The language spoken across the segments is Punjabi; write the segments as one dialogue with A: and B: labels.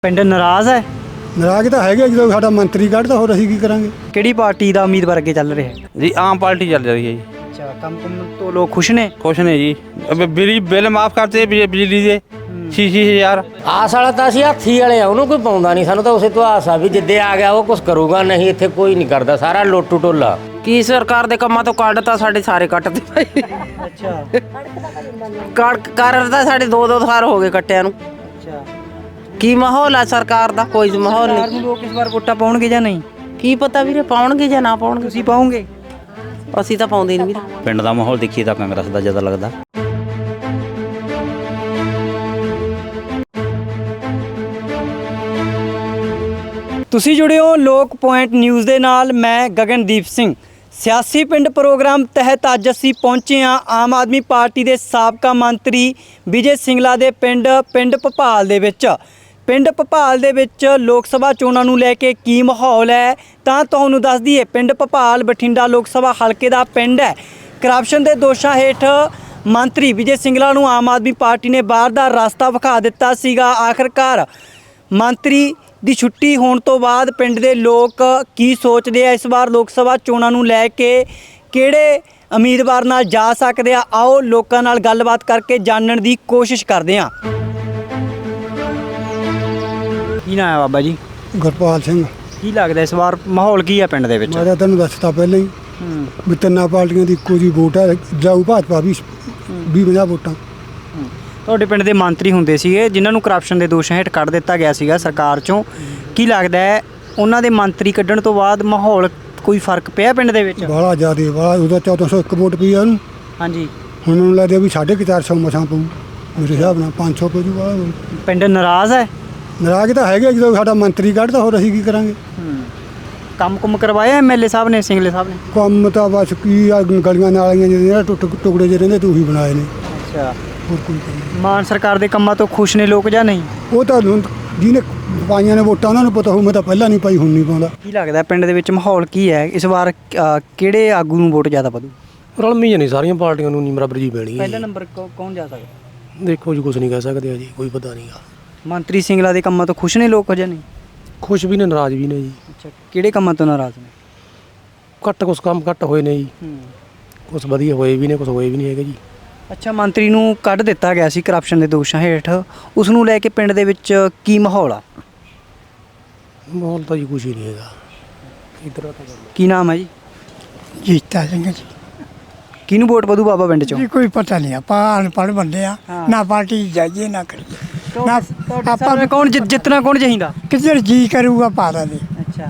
A: ਪਿੰਡ ਨਾਰਾਜ਼ ਹੈ।
B: ਨਾਰਾਜ਼ ਤਾਂ ਹੈਗੇ ਜਦੋਂ ਸਾਡਾ ਮੰਤਰੀ ਕੱਢਦਾ, ਹੋਰ ਅਸੀਂ ਕੀ ਕਰਾਂਗੇ।
A: ਕਿਹੜੀ ਪਾਰਟੀ ਦਾ ਉਮੀਦਵਾਰ ਅੱਗੇ ਚੱਲ ਰਿਹਾ ਹੈ?
C: ਜੀ ਆਮ ਪਾर्टी चल रही है जी।
A: अच्छा, ਕੰਮ ਤੋਂ ਲੋਕ ਖੁਸ਼ ਨੇ?
C: खुश ने जी। अब बिल माफ करते बिजली दे 6-6 हज़ार।
D: ਆਸ ਵਾਲਾ ਤਾਂ ਅਸੀਂ ਹਾਥੀ ਵਾਲੇ ਆ, ਉਹਨੂੰ ਕੋਈ ਪਾਉਂਦਾ ਨਹੀਂ। ਸਾਨੂੰ ਤਾਂ ਉਸੇ ਤੋਂ ਆਸ ਆ ਵੀ ਜਿੱਦੇ ਆ ਗਿਆ ਉਹ ਕੁਝ ਕਰੂਗਾ, ਨਹੀਂ ਇੱਥੇ ਕੋਈ ਨਹੀਂ ਕਰਦਾ, ਸਾਰਾ ਲੋਟੂ ਟੋਲਾ। ਕੀ ਸਰਕਾਰ ਦੇ ਕੰਮਾਂ ਤੋਂ ਕੱਢਤਾ, ਸਾਡੇ ਸਾਰੇ ਕੱਟਦੇ ਭਾਈ।
A: ਅੱਛਾ,
D: ਕਰ ਤਾਂ ਸਾਡੇ 2-2 ਸਾਲ ਹੋ ਗਏ ਕੱਟਿਆਂ ਨੂੰ।
A: ਅੱਛਾ।
D: ਕੀ ਮਾਹੌਲ ਆ ਸਰਕਾਰ ਦਾ? ਕੋਈ ਮਾਹੌਲ
A: ਸਰਕਾਰ
D: ਨਹੀਂ।
A: ਨੂੰ ਲੋਕ ਇਸ ਵਾਰ ਵੋਟਾਂ ਪਾਉਣਗੇ ਜਾਂ ਨਹੀਂ?
D: ਕੀ ਪਤਾ ਵੀਰੇ ਪਾਉਣਗੇ ਜਾਂ ਨਾ ਪਾਉਣਗੇ,
A: ਤੁਸੀਂ ਪਾਉਂਗੇ?
D: ਅਸੀਂ ਤਾਂ ਪਾਉਂਦੇ ਨਹੀਂ ਵੀਰੇ।
C: ਪਿੰਡ ਦਾ ਮਾਹੌਲ ਦੇਖੀਏ ਤਾਂ ਕਾਂਗਰਸ ਦਾ ਜ਼ਿਆਦਾ ਲੱਗਦਾ।
A: ਤੁਸੀਂ ਜੁੜੇ ਹੋ ਲੋਕ ਪੁਆਇੰਟ ਨਿਊਜ਼ ਦੇ ਨਾਲ। ਮੈਂ ਗਗਨਦੀਪ ਸਿੰਘ। ਸਿਆਸੀ ਪਿੰਡ ਪ੍ਰੋਗਰਾਮ ਤਹਿਤ ਅੱਜ ਅਸੀਂ ਪਹੁੰਚੇ ਹਾਂ ਆਮ ਆਦਮੀ ਪਾਰਟੀ ਦੇ ਸਾਬਕਾ ਮੰਤਰੀ ਵਿਜੇ ਸਿੰਗਲਾ ਦੇ ਪਿੰਡ ਭਪਾਲ ਦੇ ਵਿੱਚ। ਪਿੰਡ ਭਪਾਲ ਦੇ ਵਿੱਚ ਲੋਕ ਸਭਾ ਚੋਣਾਂ ਨੂੰ ਲੈ ਕੇ ਕੀ ਮਾਹੌਲ ਹੈ ਤਾਂ ਤੁਹਾਨੂੰ ਦੱਸ ਦਈਏ। ਪਿੰਡ ਭਪਾਲ ਬਠਿੰਡਾ ਲੋਕ ਸਭਾ ਹਲਕੇ ਦਾ ਪਿੰਡ ਹੈ। ਕਰਪਸ਼ਨ ਦੇ ਦੋਸ਼ਾਂ ਹੇਠ ਮੰਤਰੀ ਵਿਜੇ ਸਿੰਗਲਾ ਨੂੰ ਆਮ ਆਦਮੀ ਪਾਰਟੀ ਨੇ ਬਾਹਰ ਦਾ ਰਸਤਾ ਵਿਖਾ ਦਿੱਤਾ ਸੀਗਾ। ਆਖਰਕਾਰ ਮੰਤਰੀ ਦੀ ਛੁੱਟੀ ਹੋਣ ਤੋਂ ਬਾਅਦ ਪਿੰਡ ਦੇ ਲੋਕ ਕੀ ਸੋਚਦੇ ਆ ਇਸ ਵਾਰ ਲੋਕ ਸਭਾ ਚੋਣਾਂ ਨੂੰ ਲੈ ਕੇ, ਕਿਹੜੇ ਉਮੀਦਵਾਰ ਨਾਲ ਜਾ ਸਕਦੇ ਆ, ਆਓ ਲੋਕਾਂ ਨਾਲ ਗੱਲਬਾਤ ਕਰਕੇ ਜਾਣਨ ਦੀ ਕੋਸ਼ਿਸ਼ ਕਰਦੇ ਆ। ਕੀ ਨਾਮ ਹੈ ਬਾਬਾ ਜੀ?
B: ਗੁਰਪਾਲ ਸਿੰਘ।
A: ਕੀ ਲੱਗਦਾ ਇਸ ਵਾਰ ਮਾਹੌਲ ਕੀ ਹੈ ਪਿੰਡ ਦੇ ਵਿੱਚ?
B: ਮੈਂ ਤਾਂ ਤੈਨੂੰ ਦੱਸਤਾ ਪਹਿਲਾਂ ਹੀ ਵੀ ਤਿੰਨਾਂ ਪਾਰਟੀਆਂ ਦੀ ਇੱਕੋ ਜਿਹੀ ਵੋਟ ਹੈ। ਜਾਊ ਭਾਜਪਾ ਵੀ 20-50 ਵੋਟਾਂ।
A: ਤੁਹਾਡੇ ਪਿੰਡ ਦੇ ਮੰਤਰੀ ਹੁੰਦੇ ਸੀਗੇ ਜਿਨ੍ਹਾਂ ਨੂੰ ਕਰਪਸ਼ਨ ਦੇ ਦੋਸ਼ਾਂ ਹੇਠ ਕੱਢ ਦਿੱਤਾ ਗਿਆ ਸੀਗਾ ਸਰਕਾਰ ਚੋਂ। ਕੀ ਲੱਗਦਾ ਹੈ ਉਹਨਾਂ ਦੇ ਮੰਤਰੀ ਕੱਢਣ ਤੋਂ ਬਾਅਦ ਮਾਹੌਲ ਕੋਈ ਫਰਕ ਪਿਆ ਪਿੰਡ ਦੇ ਵਿੱਚ?
B: ਬਾਹਲਾ ਜ਼ਿਆਦਾ ਬਾਹਲਾ, ਉਹਦਾ 1401 ਵੋਟ ਪਈ ਆ ਉਹਨੂੰ।
A: ਹਾਂਜੀ।
B: ਹੁਣ ਉਹਨੂੰ ਲੱਗਦਾ ਵੀ 450 ਮਸਾਂ ਪਊ। ਮੇਰੇ ਹਿਸਾਬ ਨਾਲ 500 ਪਊ ਬਾਹਲਾ।
A: ਪਿੰਡ ਨਾਰਾਜ਼ ਹੈ।
B: ਨਾਰਾਜ਼ ਤਾਂ ਹੈਗੇ ਜਦੋਂ ਸਾਡਾ ਮੰਤਰੀ ਕੱਢਦਾ, ਹੋਰ ਅਸੀਂ ਕੀ ਕਰਾਂਗੇ।
A: ਕੰਮ ਕਰਵਾਇਆ ਐਮਐਲਏ ਸਾਹਿਬ ਨੇ, ਸਿੰਗਲੇ ਸਾਹਿਬ ਨੇ?
B: ਕੰਮ ਤਾਂ ਬਸ ਕੀ ਆ, ਗਲੀਆਂ ਨਾਲੀਆਂ ਜਿਹੜੇ ਟੁਕੜੇ ਜਿਹੇ ਰਹਿੰਦੇ ਤੂੰ ਹੀ ਬਣਾਏ ਨੇ।
A: ਅੱਛਾ।
B: ਹੋਰ ਕੋਈ ਕੰਮ ਨਹੀਂ।
A: ਮਾਨ ਸਰਕਾਰ ਦੇ ਕੰਮਾਂ ਤੋਂ ਖੁਸ਼ ਨੇ ਲੋਕ ਜਾਂ ਨਹੀਂ?
B: ਉਹ ਤਾਂ ਹੁਣ ਜਿਹਨੇ ਪਾਈਆਂ ਨੇ ਵੋਟਾਂ ਉਹਨਾਂ ਨੂੰ ਪਤਾ ਹੋਊ। ਮੈਂ ਤਾਂ ਪਹਿਲਾਂ ਨਹੀਂ ਪਾਈ, ਹੁਣ ਨਹੀਂ ਪਾਉਂਦਾ।
A: ਕੀ ਲੱਗਦਾ ਪਿੰਡ ਦੇ ਵਿੱਚ ਮਾਹੌਲ ਕੀ ਹੈ ਇਸ ਵਾਰ? ਕਿਹੜੇ ਆਗੂ ਨੂੰ ਵੋਟ ਜ਼ਿਆਦਾ ਪਦੂ?
E: ਰਲਮੀ ਨਹੀਂ, ਸਾਰੀਆਂ ਪਾਰਟੀਆਂ ਨੂੰ ਨਹੀਂ ਬਰਾਬਰ ਜੀ ਪੈਣੀ ਹੈ।
A: ਪਹਿਲਾ ਨੰਬਰ ਕੌਣ ਜਾ ਸਕਦਾ?
E: ਦੇਖੋ ਜੀ, ਕੁਝ ਨਹੀਂ ਕਹਿ ਸਕਦੇ ਜੀ, ਕੋਈ ਪਤਾ ਨਹੀਂਗਾ।
A: ਮੰਤਰੀ ਸਿੰਗਲਾ ਦੇ ਕੰਮਾਂ ਤੋਂ ਖੁਸ਼ ਨੇ ਲੋਕ ਜਾਂ ਨਹੀਂ?
E: ਖੁਸ਼ ਵੀ ਨੇ, ਨਾਰਾਜ਼ ਵੀ ਨੇ ਜੀ।
A: ਅੱਛਾ, ਕਿਹੜੇ ਕੰਮਾਂ ਤੋਂ ਨਾਰਾਜ਼ ਨੇ?
E: ਕੁਛ ਕੰਮ ਘੱਟ ਹੋਏ ਨੇ ਜੀ, ਕੁਛ ਵਧੀਆ ਹੋਏ ਵੀ ਨੇ, ਕੁਛ ਹੋਏ ਵੀ ਨਹੀਂ ਹੈਗੇ ਜੀ।
A: ਅੱਛਾ, ਮੰਤਰੀ ਨੂੰ ਕੱਢ ਦਿੱਤਾ ਗਿਆ ਸੀ ਕਰਪਸ਼ਨ ਦੇ ਦੋਸ਼ਾਂ ਹੇਠ, ਉਸ ਨੂੰ ਲੈ ਕੇ ਪਿੰਡ ਦੇ ਵਿੱਚ ਕੀ ਮਾਹੌਲ ਆ?
E: ਮਾਹੌਲ ਤਾਂ ਜੀ ਕੁਛ ਹੀ ਨਹੀਂ ਹੈਗਾ ਇੱਧਰ ਤਾਂ।
A: ਕੀ ਨਾਮ ਹੈ ਜੀ?
F: ਜੀਤਾ ਸਿੰਘ ਜੀ।
A: ਕਿਹਨੂੰ ਵੋਟ ਪਦੂ ਬਾਬਾ ਪਿੰਡ ਚੋਂ?
F: ਜੀ ਕੋਈ ਪਤਾ ਨਹੀਂ, ਆਪਾਂ ਅਨਪੜ੍ਹ ਬੰਦੇ ਆ, ਨਾ ਪਾਰਟੀ ਜਾਈਏ ਨਾ ਕਰੀਏ, ਨਾ ਆਪਾਂ
A: ਆਪਾਂ ਕੌਣ ਜਿੱਤਣਾ ਕੌਣ ਚਾਹੀਦਾ?
F: ਕਿੱਧਰ ਜੀ ਕਰੂਗਾ ਪਾ ਦੇ।
A: ਅੱਛਾ,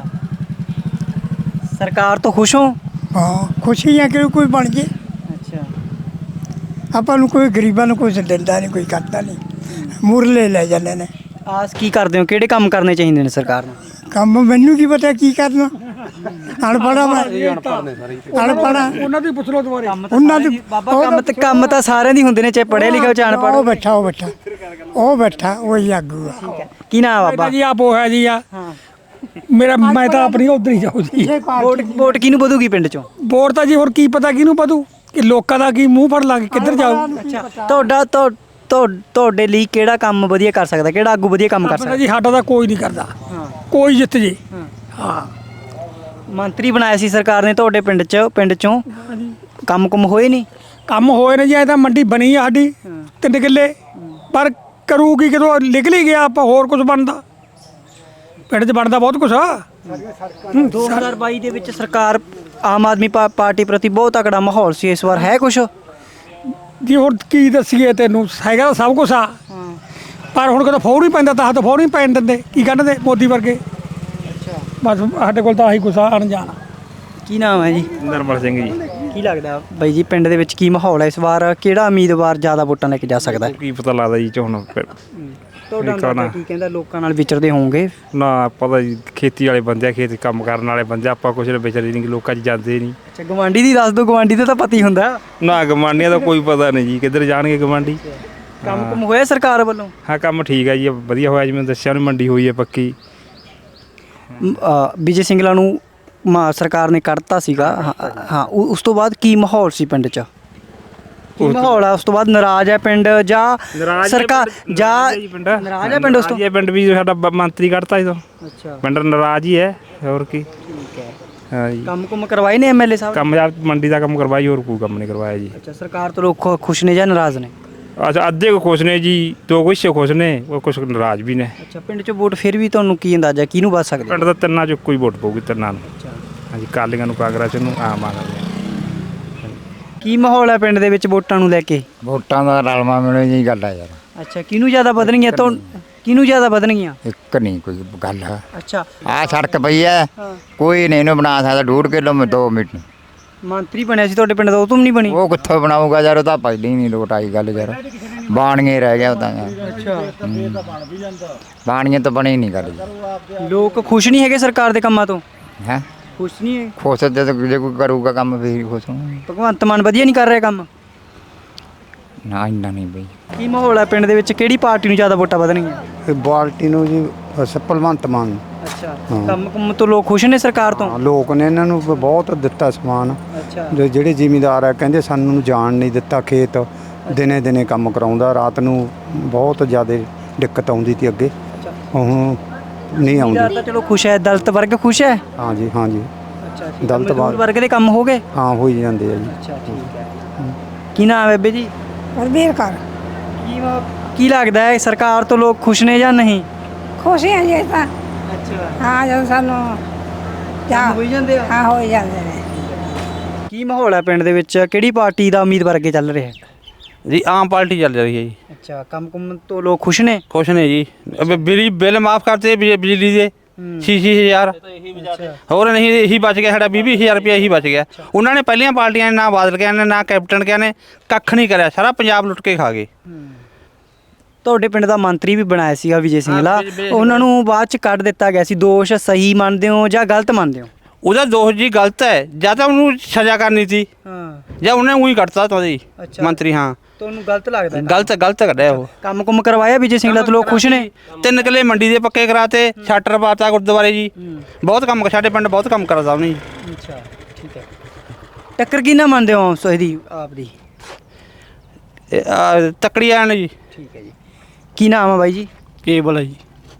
A: ਸਰਕਾਰ ਤੋਂ ਖੁਸ਼ ਹੋ?
F: ਹਾਂ, ਖੁਸ਼ੀ ਆ ਕਿ ਕੋਈ ਬਣ ਜੇ।
A: ਅੱਛਾ।
F: ਆਪਾਂ ਨੂੰ ਕੋਈ ਗਰੀਬਾਂ ਨੂੰ ਕੋਈ ਦਿੰਦਾ ਨਹੀਂ, ਕੋਈ ਕਰਦਾ ਨਹੀਂ, ਮੁਰਲੇ ਲੈ ਜਾਂਦੇ ਨੇ।
A: ਆਸ ਕੀ ਕਰਦੇ ਹੋ, ਕਿਹੜੇ ਕੰਮ ਕਰਨੇ ਚਾਹੀਦੇ ਨੇ ਸਰਕਾਰ ਨੂੰ?
F: ਕੰਮ ਮੈਨੂੰ ਕੀ ਪਤਾ ਕੀ ਕਰਨਾ, ਅਨਪੜ੍ਹਾ ਮੈਂ, ਅਨਪੜ੍ਹਾ
B: ਉਹਨਾਂ ਦੀ ਪੁੱਛ ਲਓ ਦੁਬਾਰੇ।
F: ਉਹਨਾਂ ਦੀ।
A: ਬਾਬਾ ਕੰਮ ਤਾਂ ਸਾਰਿਆਂ ਦੀ ਹੁੰਦੇ ਨੇ, ਚਾਹੇ ਪੜ੍ਹੇ ਲਿਖੇ ਹੋ ਚਾਹੇ ਅਨਪੜ੍ਹ।
F: ਉਹ ਬੈਠਾ ਉਹੀ ਆਗੂ ਆ।
A: ਕੀ ਨਾਮ ਬਾਬਾ
G: ਜੀ? ਆਪ ਉਹ ਹੈ ਜੀ ਆ। ਮੇਰਾ ਮੈਂ ਤਾਂ ਆਪਣੀ ਉਧਰ ਹੀ ਜਾਊ ਜੀ।
A: ਵੋਟ ਕਿਹਨੂੰ ਵਧੂਗੀ ਪਿੰਡ ਚੋਂ?
G: ਵੋਟ ਤਾਂ ਜੀ ਹੋਰ ਕੀ ਪਤਾ ਕਿਹਨੂੰ ਪਤੂ, ਕਿ ਲੋਕਾਂ ਦਾ ਕੀ ਮੂੰਹ ਫੜ ਲਾਂਗੇ, ਕਿੱਧਰ ਜਾਊ।
A: ਤੁਹਾਡੇ ਲਈ ਕਿਹੜਾ ਕੰਮ ਵਧੀਆ ਕਰ ਸਕਦਾ, ਕਿਹੜਾ ਆਗੂ ਵਧੀਆ ਕੰਮ ਕਰ ਸਕਦਾ?
G: ਜੀ ਸਾਡਾ ਤਾਂ ਕੋਈ ਨਹੀਂ ਕਰਦਾ, ਕੋਈ ਜਿੱਤ ਜੇ। ਹਾਂ,
A: ਮੰਤਰੀ ਬਣਾਇਆ ਸੀ ਸਰਕਾਰ ਨੇ ਤੁਹਾਡੇ ਪਿੰਡ ਚੋਂ, ਕੰਮ ਹੋਏ ਨਹੀਂ?
G: ਕੰਮ ਹੋਏ ਨੇ ਜੀ। ਐ ਤਾਂ ਮੰਡੀ ਬਣੀ ਆ ਸਾਡੀ 3 ਕਿੱਲੇ, ਪਰ ਕਰੂਗੀ ਕਿਦੋਂ? ਨਿਕਲ ਹੀ ਗਿਆ, ਆਪਾਂ ਹੋਰ ਕੁਝ ਬਣਦਾ ਪਿੰਡ 'ਚ, ਬਣਦਾ ਬਹੁਤ ਕੁਛ ਆ।
A: 2022 ਦੇ ਵਿੱਚ ਸਰਕਾਰ ਆਮ ਆਦਮੀ ਪਾਰਟੀ ਪ੍ਰਤੀ ਬਹੁਤ ਤਕੜਾ ਮਾਹੌਲ ਸੀ, ਇਸ ਵਾਰ ਹੈ ਕੁਛ?
G: ਜੀ ਹੁਣ ਕੀ ਦੱਸੀਏ ਤੈਨੂੰ, ਹੈਗਾ ਤਾਂ ਸਭ ਕੁਛ ਆ, ਪਰ ਹੁਣ ਕਦੋਂ ਫੌਰ ਹੀ ਪੈਂਦਾ ਤਾਂ ਫੌਰ ਹੀ ਪੈਣ ਦਿੰਦੇ, ਕੀ ਕੱਢਦੇ ਮੋਦੀ ਵਰਗੇ। ਬਸ ਸਾਡੇ ਕੋਲ ਤਾਂ ਆਹੀ ਕੁਛ ਆ, ਅਣਜਾਣ।
A: ਕੀ ਨਾਮ ਹੈ ਜੀ?
C: ਨਰਮਲ ਸਿੰਘ ਜੀ।
A: ਕੀ ਲੱਗਦਾ ਬਾਈ ਜੀ ਪਿੰਡ ਦੇ ਵਿੱਚ ਕੀ ਮਾਹੌਲ ਹੈ ਇਸ ਵਾਰ? ਕਿਹੜਾ ਉਮੀਦਵਾਰ ਜ਼ਿਆਦਾ ਵੋਟਾਂ ਲੈ ਕੇ ਜਾ ਸਕਦਾ ਹੈ?
C: ਕੀ ਪਤਾ ਲੱਗਦਾ ਜੀ ਝੋਨਾ
A: ਤੁਹਾਡਾ ਅੰਦਾਜ਼ਾ ਕੀ ਕਹਿੰਦਾ? ਲੋਕਾਂ ਨਾਲ ਵਿਚਰਦੇ ਹੋਵੋਗੇ
C: ਨਾ, ਪਤਾ ਜੀ ਖੇਤੀ ਵਾਲੇ ਬੰਦੇ ਆ, ਖੇਤ ਕੰਮ ਕਰਨ ਵਾਲੇ ਬੰਦੇ, ਆਪਾਂ ਕੁਛ ਵਿਚਾਰੇ ਨਹੀਂ, ਲੋਕਾਂ 'ਚ ਜਾਂਦੇ ਨਹੀਂ।
A: ਅੱਛਾ, ਗਵਾਂਢੀ ਦੀ ਦੱਸ ਦਿਓ, ਗਵਾਂਢੀ ਦਾ ਤਾਂ ਪਤਾ ਹੀ ਹੁੰਦਾ।
C: ਨਾ ਗਵਾਂਢੀਆਂ ਦਾ ਕੋਈ ਪਤਾ ਨਹੀਂ ਜੀ, ਕਿੱਧਰ ਜਾਣਗੇ ਗਵਾਂਢੀ।
A: ਕੰਮ ਹੋਇਆ ਸਰਕਾਰ ਵੱਲੋਂ?
C: ਹਾਂ, ਕੰਮ ਠੀਕ ਹੈ ਜੀ, ਵਧੀਆ ਹੋਇਆ, ਜਿਵੇਂ ਦੱਸਿਆ ਉਹਨੇ, ਮੰਡੀ ਹੋਈ ਹੈ ਪੱਕੀ।
A: ਵਿਜੇ ਸਿੰਗਲਾ ਨੂੰ ਸਰਕਾਰ ਨੇ ਕੱਢਤਾ ਸੀਗਾ। ਹਾਂ, ਉਸ ਤੋਂ ਬਾਅਦ ਕੀ ਮਾਹੌਲ ਸੀ ਪਿੰਡ 'ਚ? ਕੀ ਮਾਹੌਲ ਆ ਉਸ ਤੋਂ ਬਾਅਦ ਨਾਰਾਜ਼ ਹੈ ਪਿੰਡ ਜਾਂ ਸਰਕਾਰ ਜਾਂ ਨਾਰਾਜ਼ ਹੈ ਪਿੰਡ ਉਸ ਤੋਂ?
C: ਇਹ ਪਿੰਡ ਵੀ ਸਾਡਾ ਮੰਤਰੀ ਕੱਢਤਾ ਜਦੋਂ
A: ਅੱਛਾ
C: ਪਿੰਡ ਨਾਰਾਜ਼ ਹੀ ਹੈ, ਹੋਰ ਕੀ।
A: ਠੀਕ ਹੈ।
C: ਹਾਂ ਜੀ,
A: ਕੰਮ ਕੁਮ ਕਰਵਾਏ ਨੇ ਐਮਐਲਏ ਸਾਹਿਬ?
C: ਕੰਮ ਜਾਂ ਮੰਡੀ ਦਾ ਕੰਮ ਕਰਵਾਈ, ਹੋਰ ਕੋਈ ਕੰਮ ਨਹੀਂ ਕਰਵਾਇਆ ਜੀ।
A: ਅੱਛਾ, ਸਰਕਾਰ ਤੋਂ ਲੋਕ ਖੁਸ਼ ਨੇ ਜਾਂ ਨਾਰਾਜ਼ ਨੇ?
C: ਅੱਛਾ, ਅੱਧੇ ਕੋ ਖੁਸ਼ ਨੇ ਜੀ, ਦੋ ਕੁਛ ਖੁਸ਼ ਨੇ, ਉਹ ਕੁਛ ਨਾਰਾਜ਼ ਵੀ ਨੇ।
A: ਅੱਛਾ, ਪਿੰਡ 'ਚ ਵੋਟ ਫਿਰ ਵੀ ਤੁਹਾਨੂੰ ਕੀ ਅੰਦਾਜ਼ਾ ਕਿਹਨੂੰ ਵੱਧ ਸਕਦੇ?
C: ਪਿੰਡ ਦਾ ਤਿੰਨਾਂ ਚੋਂ ਕੋਈ ਵੋਟ ਪਊਗੀ, ਤਿੰਨਾਂ ਨੂੰ। ਹਾਂਜੀ, ਕਾਲੀਆਂ ਨੂੰ, ਕਾਂਗਰਸ ਨੂੰ, ਆਮ ਆਦਮੀ ਨੂੰ।
A: ਕੀ ਮਾਹੌਲ ਹੈ ਪਿੰਡ ਦੇ ਵਿੱਚ ਵੋਟਾਂ ਨੂੰ ਲੈ ਕੇ?
H: ਵੋਟਾਂ ਦਾ ਰਲਮਾ ਮਿਲਣ ਦੀ ਗੱਲ ਆ ਯਾਰ,
A: ਅੱਛਾ, ਕਿਹਨੂੰ ਜ਼ਿਆਦਾ ਵਧਣਗੀਆਂ ਤੋਂ? ਕਿਹਨੂੰ ਜ਼ਿਆਦਾ ਵਧਣਗੀਆਂ?
H: ਇੱਕ ਨਹੀਂ ਕੋਈ ਗੱਲ ਆ।
A: ਅੱਛਾ,
H: ਆਹ ਸੜਕ ਪਈ ਐ, ਕੋਈ ਨਹੀਂ ਇਹਨੂੰ ਬਣਾ ਸਕਦਾ 2 ਕਿਲੋਮੀਟਰ 2 ਮੀਟਰ।
A: ਮੰਤਰੀ ਬਣਿਆ ਸੀ ਤੁਹਾਡੇ ਪਿੰਡ ਦਾ, ਉਹ ਤੋਂ ਵੀ ਨਹੀਂ ਬਣੀ?
H: ਉਹ ਕਿੱਥੋਂ ਬਣਾਊਗਾ ਯਾਰ, ਉਹ ਤਾਂ ਪਹਿਲਾਂ ਹੀ ਨਹੀਂ ਲੋਟ ਆਈ ਗੱਲ ਯਾਰ, ਬਾਣੀਏ ਰਹਿ ਗਿਆ ਉਹ ਤਾਂ ਯਾਰ।
A: ਅੱਛਾ,
H: ਬਾਣੀਏ ਤਾਂ ਬਣੀ ਨਹੀਂ ਗੱਲ ਯਾਰ।
A: ਲੋਕ ਖੁਸ਼ ਨਹੀਂ ਹੈਗੇ ਸਰਕਾਰ ਦੇ ਕੰਮਾਂ ਤੋਂ?
H: ਹੈ
A: ਖੁਸ਼ ਨਹੀਂ ਹੈ?
H: ਖੁਸ਼ ਤੇ ਜੇ ਕੋਈ ਕਰੂਗਾ ਕੰਮ ਫੇਰ ਹੀ ਖੁਸ਼ ਹੋਣਗੇ।
A: ਭਗਵੰਤ ਮਾਨ ਵਧੀਆ ਨਹੀਂ ਕਰ ਰਿਹਾ ਕੰਮ?
H: ਨਾ ਇੰਨਾ ਨਹੀਂ ਬਈ।
A: ਕੀ ਮਾਹੌਲ ਹੈ ਪਿੰਡ ਦੇ ਵਿੱਚ, ਕਿਹੜੀ ਪਾਰਟੀ ਨੂੰ ਜ਼ਿਆਦਾ ਵੋਟਾਂ ਵਧਣਗੀਆਂ?
B: ਬਾਲਟੀ ਨੂੰ ਜੀ ਭਗਵੰਤ ਮਾਨ।
A: ਅੱਛਾ, ਕੰਮ ਕੁੰਮ ਤੋਂ ਲੋਕ ਖੁਸ਼ ਨੇ ਸਰਕਾਰ ਤੋਂ?
B: ਲੋਕ ਨੇ ਇਹਨਾਂ ਨੂੰ ਬਹੁਤ ਦਿੱਤਾ ਸਮਾਨ।
A: ਅੱਛਾ,
B: ਜਿਹੜੇ ਜ਼ਿਮੀਂਦਾਰ ਆ ਕਹਿੰਦੇ ਸਾਨੂੰ ਜਾਣ ਨਹੀਂ ਦਿੱਤਾ ਖੇਤ, ਦਿਨੇ ਦਿਨੇ ਕੰਮ ਕਰਾਉਂਦਾ, ਰਾਤ ਨੂੰ ਬਹੁਤ ਜ਼ਿਆਦਾ ਦਿੱਕਤ ਆਉਂਦੀ ਸੀ ਅੱਗੇ, ਹੁਣ ਨਹੀਂ ਆਉਂਦੀ।
A: ਜ਼ਿਆਦਾ ਤਾਂ ਚਲੋ ਖੁਸ਼ ਹੈ, ਦਲਿਤ ਵਰਗ ਖੁਸ਼ ਹੈ?
B: ਹਾਂਜੀ ਹਾਂਜੀ,
A: ਅੱਛਾ,
B: ਦਲਿਤ
A: ਵਰਗ ਦੇ ਕੰਮ ਹੋ ਗਏ?
B: ਹਾਂ ਹੋਈ ਜਾਂਦੇ ਆ ਜੀ।
A: ਅੱਛਾ, ਠੀਕ ਹੈ। ਕੀ ਨਾਮ ਹੈ ਬੇਬੇ ਜੀ?
F: ਹਰਬੀਰ ਕਰ
A: ਕੀ ਲੱਗਦਾ ਹੈ ਸਰਕਾਰ ਤੋਂ ਲੋਕ ਖੁਸ਼ ਨੇ ਜਾਂ ਨਹੀਂ?
F: ਖੁਸ਼ ਹਾਂ ਜੀ ਤਾਂ।
A: ਅੱਛਾ,
F: ਹਾਂ ਜਦੋਂ ਸਾਨੂੰ
A: ਕੰਮ ਹੋਈ ਜਾਂਦੇ ਆ?
F: ਹਾਂ ਹੋ ਜਾਂਦੇ ਨੇ।
A: ਕੀ ਮਾਹੌਲ ਹੈ ਪਿੰਡ ਦੇ ਵਿੱਚ, ਕਿਹੜੀ ਪਾਰਟੀ ਦਾ ਉਮੀਦਵਾਰ ਅੱਗੇ ਚੱਲ ਰਿਹਾ ਹੈ?
I: ਜੀ ਆਮ ਪਾਰਟੀ ਚੱਲ ਰਹੀ ਹੈ ਜੀ।
A: ਅੱਛਾ, ਕੰਮ ਕੁੰਮ ਤੋਂ ਲੋਕ ਖੁਸ਼ ਨੇ?
I: ਖੁਸ਼ ਨੇ ਜੀ, ਬਿਜਲੀ ਬਿੱਲ ਮਾਫ ਕਰਤੇ ਬਿਜਲੀ ਦੇ 6-6 ਹਜ਼ਾਰ, ਹੋਰ ਨਹੀਂ ਇਹੀ ਬਚ ਗਿਆ ਸਾਡਾ 20-20 ਰੁਪਏ ਇਹੀ ਬਚ ਗਿਆ। ਉਹਨਾਂ ਨੇ ਪਹਿਲੀਆਂ ਪਾਰਟੀਆਂ ਨੇ ਨਾ ਬਾਦਲ ਕਿਹਾ ਨੇ ਨਾ ਕੈਪਟਨ ਕਿਹਾ ਨੇ, ਕੱਖ ਨਹੀਂ ਕਰਿਆ, ਸਾਰਾ ਪੰਜਾਬ ਲੁੱਟ ਕੇ ਖਾ ਗਏ।
A: ਤੁਹਾਡੇ ਪਿੰਡ ਦਾ ਮੰਤਰੀ ਵੀ ਬਣਾਇਆ ਸੀਗਾ ਵਿਜੇ ਸਿੰਗਲਾ, ਉਹਨਾਂ ਨੂੰ ਬਾਅਦ ਚ ਕੱਢ ਦਿੱਤਾ ਗਿਆ ਸੀ, ਦੋਸ਼ ਸਹੀ ਮੰਨਦੇ ਹੋ ਜਾਂ ਗਲਤ ਮੰਨਦੇ ਹੋ?
I: ਉਹਦਾ ਦੋਸ਼ ਜੀ ਗਲਤ ਹੈ, ਜਾਂ ਤਾਂ ਉਹਨੂੰ ਸਜ਼ਾ ਕਰਨੀ ਸੀ ਜਾਂ ਉਹਨੇ ਉਹੀ ਕੱਟਤਾ ਤੁਹਾਡੀ ਮੰਤਰੀ। ਹਾਂ,
A: ਤੁਹਾਨੂੰ ਗਲਤ ਲੱਗਦਾ?
I: ਗਲਤ ਕੱਢਿਆ ਉਹ।
A: ਕੰਮ ਕੁੰਮ ਕਰਵਾਇਆ ਵਿਜੇ ਸਿੰਗਲਾ ਤੋਂ ਲੋਕ ਖੁਸ਼ ਨੇ?
I: 3 ਕਿੱਲੇ ਮੰਡੀ ਦੇ ਪੱਕੇ ਕਰਾਤੇ, ਸ਼ਟਰ ਪਾਤਾ ਗੁਰਦੁਆਰੇ ਜੀ, ਬਹੁਤ ਕੰਮ ਸਾਡੇ ਪਿੰਡ ਬਹੁਤ ਕੰਮ ਕਰਦਾ ਉਹਨੇ ਜੀ।
A: ਅੱਛਾ, ਠੀਕ ਹੈ। ਟੱਕਰ ਕਿਹਨਾਂ ਮੰਨਦੇ ਹੋ ਇਹਦੀ ਆਪ ਦੀ?
I: ਤੱਕੜੀ ਆਣ ਜੀ।
A: ਠੀਕ ਹੈ ਜੀ। ਕੀ ਨਾਮ ਆ ਬਾਈ ਜੀ?
E: ਕੇਬਲ ਹੈ ਜੀ।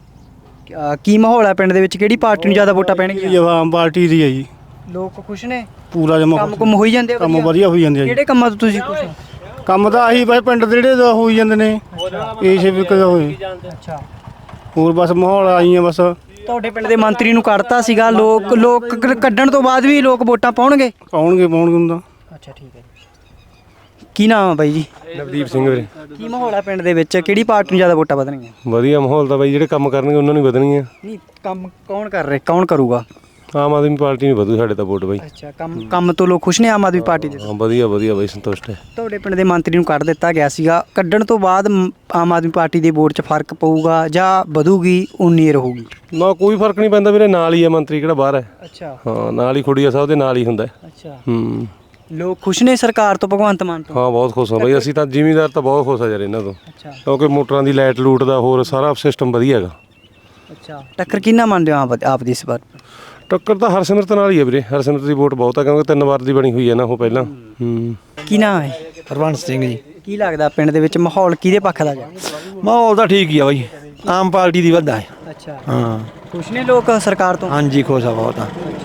A: ਕੀ ਮਾਹੌਲ ਹੈ ਪਿੰਡ ਦੇ ਵਿੱਚ, ਕਿਹੜੀ ਪਾਰਟੀ ਨੂੰ ਜ਼ਿਆਦਾ ਵੋਟਾਂ ਪੈਣਗੀਆਂ?
E: ਆਮ ਪਾਰਟੀ ਦੀ ਹੈ ਜੀ,
A: ਲੋਕ ਖੁਸ਼ ਨੇ?
E: ਪੂਰਾ ਜਮਾ
A: ਕੰਮ ਕੁੰਮ ਹੋਈ ਜਾਂਦੇ ਆ?
E: ਕੰਮ ਵਧੀਆ ਹੋਈ ਜਾਂਦੇ ਆ ਜੀ।
A: ਕਿਹੜੇ ਕੰਮਾਂ ਤੋਂ ਤੁਸੀਂ ਖੁਸ਼ ਹੋ?
E: ਕੰਮ ਤਾਂ ਆਹੀ ਬਸ ਪਿੰਡ ਦੇ ਜਿਹੜੇ ਦਾ ਹੋਈ ਜਾਂਦੇ ਨੇ, ਇਸੇ ਵੀ ਕਦਾ ਹੋਏ।
A: ਅੱਛਾ,
E: ਹੋਰ ਬਸ ਮਾਹੌਲ ਆਈ ਆ ਬਸ।
A: ਤੁਹਾਡੇ ਪਿੰਡ ਦੇ ਮੰਤਰੀ ਨੂੰ ਕੱਢਤਾ ਸੀਗਾ, ਲੋਕ ਕੱਢਣ ਤੋਂ ਬਾਅਦ ਵੀ ਲੋਕ ਵੋਟਾਂ ਪਾਉਣਗੇ?
E: ਪਾਉਣਗੇ ਹੁੰਦਾ।
A: ਅੱਛਾ, ਠੀਕ ਹੈ। ਕੀ ਨਾਮ ਆ ਬਾਈ ਜੀ?
J: ਨਵਦੀਪ ਸਿੰਘ ਵੀਰੇ।
A: ਕੀ ਮਾਹੌਲ ਹੈ ਪਿੰਡ ਦੇ ਵਿੱਚ, ਕਿਹੜੀ ਪਾਰਟੀ ਨੂੰ ਜ਼ਿਆਦਾ ਵੋਟਾਂ ਵਧਣਗੀਆਂ?
J: ਵਧੀਆ ਮਾਹੌਲ ਤਾਂ ਬਾਈ, ਜਿਹੜੇ ਕੰਮ ਕਰਨਗੇ ਉਹਨਾਂ ਨੂੰ ਹੀ ਵਧਣਗੀਆਂ।
A: ਨਹੀਂ, ਕੰਮ ਕੌਣ ਕਰ ਰਿਹਾ, ਕੌਣ ਕਰੂਗਾ?
J: ਆਮ ਆਦਮੀ ਪਾਰਟੀ ਨੂੰ ਵਧੂ ਸਾਡੇ ਤਾਂ ਵੋਟ ਬਾਈ।
A: ਅੱਛਾ, ਕੰਮ ਤੋਂ ਲੋਕ ਖੁਸ਼ ਨੇ ਆਮ ਆਦਮੀ ਪਾਰਟੀ ਦੇ?
J: ਹਾਂ, ਵਧੀਆ ਬਾਈ, ਸੰਤੁਸ਼ਟ ਹੈ।
A: ਤੁਹਾਡੇ ਪਿੰਡ ਦੇ ਮੰਤਰੀ ਨੂੰ ਕੱਢ ਦਿੱਤਾ ਗਿਆ ਸੀਗਾ, ਕੱਢਣ ਤੋਂ ਬਾਅਦ ਆਮ ਆਦਮੀ ਪਾਰਟੀ ਦੇ ਵੋਟ 'ਚ ਫਰਕ ਪਊਗਾ ਜਾਂ ਵਧੂਗੀ, ਉਨੀ ਹੀ ਰਹੂਗੀ?
J: ਨਾ, ਕੋਈ ਫਰਕ ਨਹੀਂ ਪੈਂਦਾ ਵੀਰੇ, ਨਾਲ ਹੀ ਹੈ ਮੰਤਰੀ, ਕਿਹੜਾ ਬਾਹਰ ਹੈ।
A: ਅੱਛਾ,
J: ਹਾਂ, ਨਾਲ ਹੀ ਖੁੜੀਆ ਸਾਹਿਬ ਦੇ ਨਾਲ ਹੀ ਹੁੰਦਾ।
A: ਅੱਛਾ।
J: ਲੋਕ
A: ਖੁਸ਼ ਨੇ ਸਰਕਾਰ ਤੋਂ, ਭਗਵੰਤ ਮਾਨ ਤੋਂ?
J: ਹਾਂ, ਬਹੁਤ ਖੁਸ਼ ਹਾਂ ਬਾਈ, ਅਸੀਂ ਤਾਂ ਜ਼ਿਮੀਂਦਾਰ ਤਾਂ ਬਹੁਤ ਖੁਸ਼ ਆ ਯਾਰ ਇਹਨਾਂ ਤੋਂ, ਕਿਉਂਕਿ ਮੋਟਰਾਂ ਦੀ ਲਾਈਟ ਲੂਟ ਦਾ ਹੋਰ ਸਾਰਾ ਸਿਸਟਮ ਵਧੀਆ ਹੈਗਾ।
A: ਅੱਛਾ, ਟੱਕਰ ਕਿਹਨਾਂ ਮੰਨਦੇ ਹੋ ਆਪ ਦੀ ਇਸ ਵਾਰ?
J: ਟੱਕਰ ਤਾਂ ਹਰਸਿਮਰਤ ਨਾਲ ਹੀ ਹੈ ਵੀਰੇ, ਹਰਸਿਮਰਤ ਦੀ ਵੋਟ ਬਹੁਤ ਆ, ਕਿਉਂਕਿ 3 ਵਾਰ ਦੀ ਬਣੀ ਹੋਈ ਹੈ ਨਾ ਉਹ ਪਹਿਲਾਂ।
A: ਕੀ ਨਾਮ ਹੈ?
E: ਹਰਵੰਸ ਸਿੰਘ ਜੀ।
A: ਕੀ ਲੱਗਦਾ ਪਿੰਡ ਦੇ ਵਿੱਚ ਮਾਹੌਲ ਕਿਹਦੇ ਪੱਖ ਦਾ ਹੈ?
E: ਮਾਹੌਲ ਤਾਂ ਠੀਕ ਹੀ ਆ ਬਾਈ, ਆਮ ਪਾਰਟੀ ਦੀ ਵੱਧਾ ਹੈ।
A: ਅੱਛਾ,
E: ਹਾਂ,
A: ਖੁਸ਼ ਨੇ ਲੋਕ ਸਰਕਾਰ ਤੋਂ?
E: ਹਾਂਜੀ ਖੁਸ਼ ਆ ਬਹੁਤ ਆ।